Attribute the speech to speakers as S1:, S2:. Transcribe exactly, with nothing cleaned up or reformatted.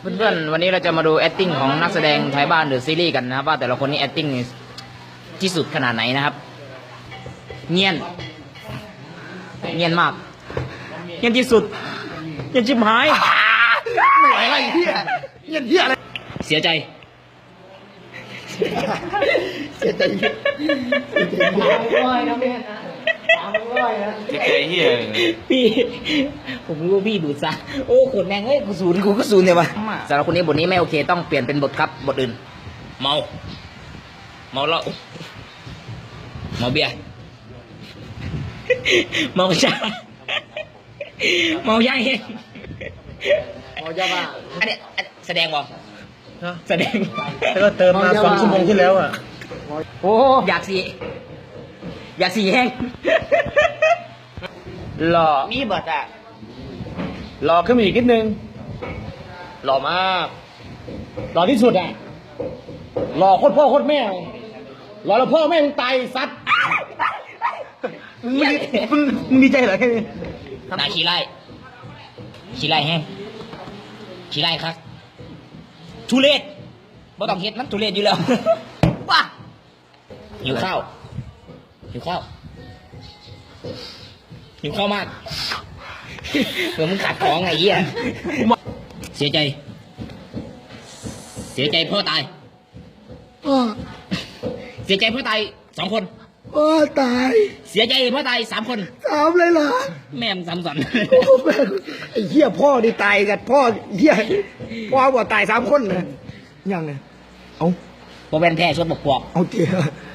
S1: เพื่อนๆวันนี้เราจะมาดู acting ของนักแสดงไทยบ้านหรือซีรีส์กันนะครับว่าแต่ละคนนี้ acting ที่สุดขนาดไหนนะครับเงียนเงียนมากเงียนที่สุดเงียนชิบหาย
S2: ไม่ไหวอะไรเหี้ยเหี้ยเหี้ยอะไร
S1: เสียใจ
S2: เสียใจเหี้ยเสียใจเหี้ย
S1: พี่ผมรู้ว่าพี่ดูดซะโอ้ขนแมงเอ้ยกูศูนย์กูก็ศูนย์เลยวะสำหรับคนนี้บทนี้ไม่โอเคต้องเปลี่ยนเป็นบทครับบทอื่นเมาเมาเหล้าเมาเบียร์เมาชาเมายาเอง
S2: เมายาบ้า
S1: อันนี้แสดงบ่แสดง
S2: แล้วก็เติมมาสองชั่วโมงที่แล้วอ่ะ
S1: โอ้อยากสีอยากสีแห้งหล่อมีบทอ่ะ
S2: หล่อขึ้นมาอีกนิดนึงหล่อมากหล่อที่สุดอ่ะหล่อโคตรพ่อโคตรแม่หล่อแล้วพ่อแม่มึงตายสัตว์มึงมึงมึงดีใจเหรอแค่นี้
S1: นาขี้ไล่ขี้ไล่แห้งขี้ไล่ครับทุเรศบ่ต้องเฮ็ดมันทุเรศอยู่แล้วว้าหิวข้าวหิวข้าวหิวข้าวมากเหมือนมึงขาดของไงเหี้ยเสียใจเสียใจพ่อตายเสียใจพ่อตายสองคน
S2: พ่อตาย
S1: เสียใจพ่อตายสามคน
S2: สามเลยเหรอ
S1: แม่มสามสัน
S2: ไอ้เหี้ยพ่อนี่ตายกันพ่อเหี้ยพ่อบอกตายสามคนนะยังไงเอา
S1: พอเป็นแพ้ชวนบกปอก
S2: เอาเจ้า